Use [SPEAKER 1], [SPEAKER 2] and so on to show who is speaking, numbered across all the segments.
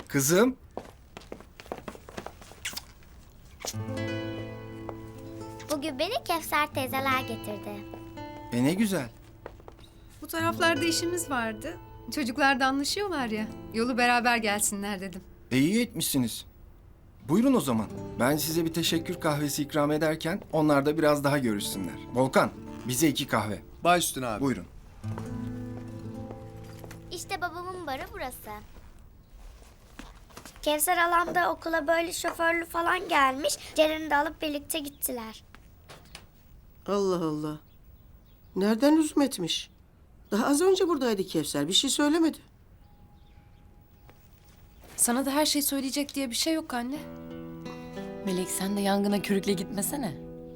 [SPEAKER 1] Kızım.
[SPEAKER 2] Bugün beni Kevser teyzeler getirdi.
[SPEAKER 1] Ne güzel.
[SPEAKER 3] Bu taraflarda işimiz vardı. Çocuklar da anlaşıyorlar ya. Yolu beraber gelsinler dedim.
[SPEAKER 1] İyi etmişsiniz. Buyurun o zaman. Ben size bir teşekkür kahvesi ikram ederken onlar da biraz daha görüşsünler. Volkan, bize 2 kahve.
[SPEAKER 4] Baş üstüne abi.
[SPEAKER 1] Buyurun.
[SPEAKER 2] İşte babamın barı burası. Kevser halam da okula böyle şoförlü falan gelmiş. Ceren'i de alıp birlikte gittiler.
[SPEAKER 5] Allah Allah. Nereden üzüm etmiş? Daha az önce buradaydı Kevser. Bir şey söylemedi.
[SPEAKER 6] Sana da her şey söyleyecek diye bir şey yok anne. Melek sen de yangına körükle gitmesene.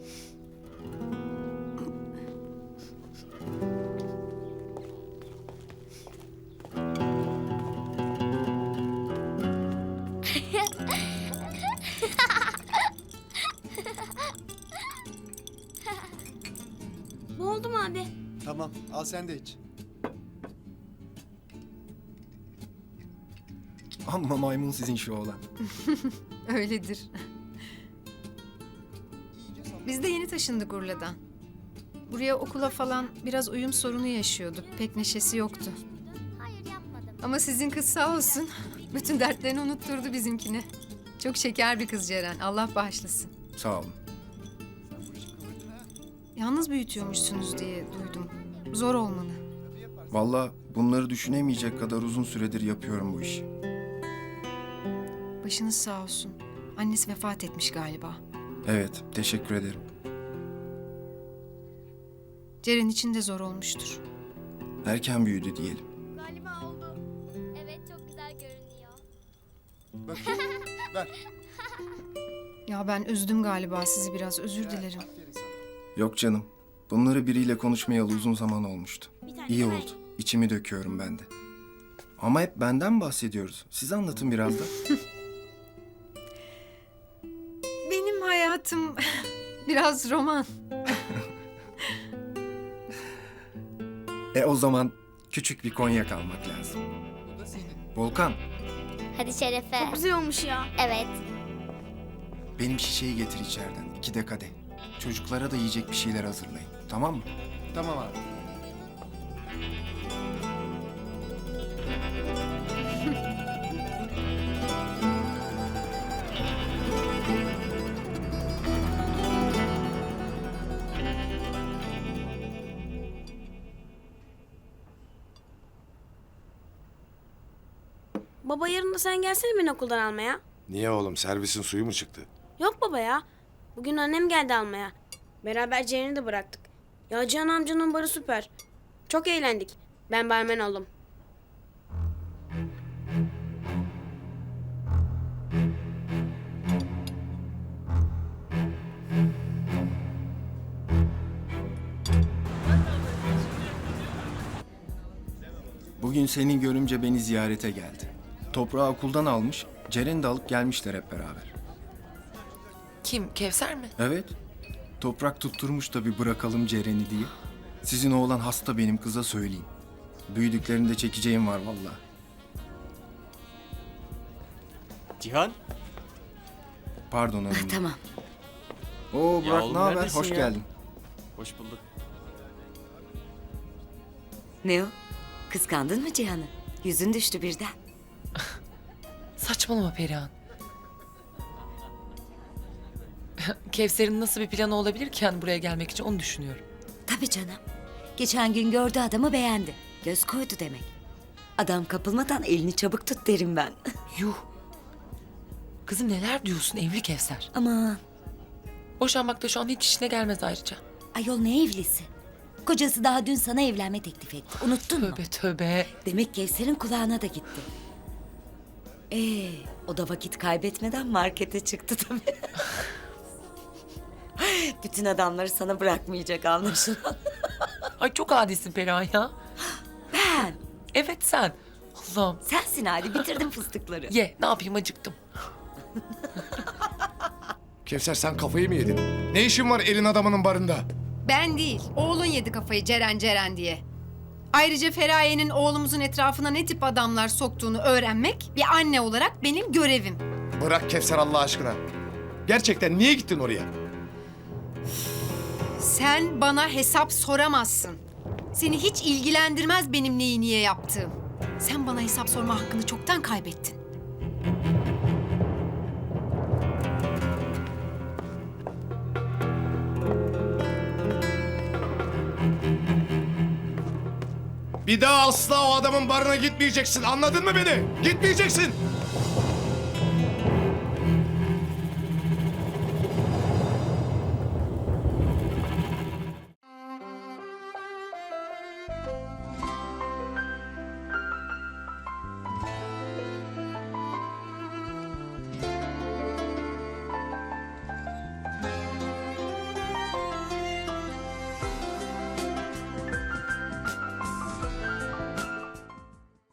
[SPEAKER 2] Ne oldu mu abi?
[SPEAKER 4] Tamam, al sen de iç.
[SPEAKER 1] Amma maymun sizin şu oğlan.
[SPEAKER 3] Öyledir. Biz de yeni taşındık Urla'dan. Buraya okula falan biraz uyum sorunu yaşıyorduk. Pek neşesi yoktu.
[SPEAKER 2] Hayır yapmadım.
[SPEAKER 3] Ama sizin kız sağ olsun. Bütün dertlerini unutturdu bizimkine. Çok şeker bir kız Ceren. Allah bağışlasın.
[SPEAKER 1] Sağ olun.
[SPEAKER 3] Yalnız büyütüyormuşsunuz diye duydum. Zor olmalı.
[SPEAKER 1] Vallahi bunları düşünemeyecek kadar uzun süredir yapıyorum bu işi.
[SPEAKER 3] Başınız sağ olsun. Annesi vefat etmiş galiba.
[SPEAKER 1] Evet, teşekkür ederim.
[SPEAKER 3] Ceren için de zor olmuştur.
[SPEAKER 1] Erken büyüdü diyelim.
[SPEAKER 2] Galiba oldu. Evet çok güzel görünüyor.
[SPEAKER 4] Bakayım, ver.
[SPEAKER 3] Ya ben üzdüm galiba sizi biraz. Özür dilerim.
[SPEAKER 4] Aferin sana.
[SPEAKER 1] Yok canım. Bunları biriyle konuşmayalı uzun zaman olmuştu. İyi oldu. İçimi döküyorum ben de. Ama hep benden bahsediyoruz. Siz anlatın biraz da.
[SPEAKER 3] Benim hayatım biraz roman.
[SPEAKER 1] O zaman küçük bir konyak almak lazım.
[SPEAKER 4] Bu da senin.
[SPEAKER 1] Volkan,
[SPEAKER 2] Hadi Şerefe. Çok güzel olmuş ya. Evet.
[SPEAKER 1] benim şişeyi getir içeriden. 2 de kadeh. Çocuklara da yiyecek bir şeyler hazırlayın. Tamam mı?
[SPEAKER 4] Tamam abi.
[SPEAKER 7] Baba yarın da sen gelsene beni okuldan almaya.
[SPEAKER 8] Niye oğlum? Servisin suyu mu çıktı?
[SPEAKER 7] Yok baba ya. Bugün annem geldi almaya. Beraber Ceren'i de bıraktık. Ya Cihan amcanın barı süper. Çok eğlendik. Ben barmen oldum.
[SPEAKER 1] Bugün senin görümce beni ziyarete geldi. Toprağı okuldan almış, Ceren'i de alıp gelmişler hep beraber.
[SPEAKER 6] Kim? Kevser mi?
[SPEAKER 1] Evet, Toprak tutturmuş da bir bırakalım Ceren'i diye. Sizin oğlan hasta benim kıza söyleyeyim. Büyüdüklerinde çekeceğim var vallahi.
[SPEAKER 9] Cihan?
[SPEAKER 1] Pardon hanım.
[SPEAKER 5] Tamam.
[SPEAKER 1] Oo
[SPEAKER 9] Ya
[SPEAKER 1] Burak
[SPEAKER 9] oğlum
[SPEAKER 1] ne haber?
[SPEAKER 9] neredesin
[SPEAKER 1] Hoş
[SPEAKER 9] ya?
[SPEAKER 1] geldin.
[SPEAKER 9] Hoş bulduk.
[SPEAKER 10] Ne o? Kıskandın mı Cihan'ı? Yüzün düştü birden.
[SPEAKER 6] Saçmalama Perihan. Kevser'in nasıl bir planı olabilir ki yani buraya gelmek için onu düşünüyorum.
[SPEAKER 10] Tabii canım. Geçen gün gördü adamı beğendi. Göz koydu demek. Adam kapılmadan elini çabuk tut derim ben.
[SPEAKER 6] Yuh. Kızım neler diyorsun evli Kevser.
[SPEAKER 10] Aman
[SPEAKER 6] Boşanmak da şu an hiç işine gelmez ayrıca.
[SPEAKER 10] ayol ne evlisi? Kocası daha dün sana evlenme teklif etti. Unuttun mu?
[SPEAKER 6] Tövbe tövbe.
[SPEAKER 10] Demek Kevser'in kulağına da gitti. O da vakit kaybetmeden markete çıktı tabii. Bütün adamları sana bırakmayacak anlaşılan.
[SPEAKER 6] Ay çok adisin Perihan ya.
[SPEAKER 10] Ben.
[SPEAKER 6] Evet sen. Allah'ım.
[SPEAKER 10] Sensin hadi bitirdim fıstıkları.
[SPEAKER 6] Ye ne yapayım acıktım.
[SPEAKER 8] Kevser sen kafayı mı yedin? Ne işin var elin adamının barında?
[SPEAKER 3] Ben değil. Oğlun yedi kafayı Ceren Ceren diye. Ayrıca Feraye'nin oğlumuzun etrafına ne tip adamlar soktuğunu öğrenmek bir anne olarak benim görevim.
[SPEAKER 8] Bırak Kevser Allah aşkına. Gerçekten niye gittin oraya?
[SPEAKER 3] Sen bana hesap soramazsın. Seni hiç ilgilendirmez benim neyi niye yaptığım. Sen bana hesap sorma hakkını çoktan kaybettin.
[SPEAKER 8] Bir daha asla o adamın barına gitmeyeceksin. Anladın mı beni? Gitmeyeceksin.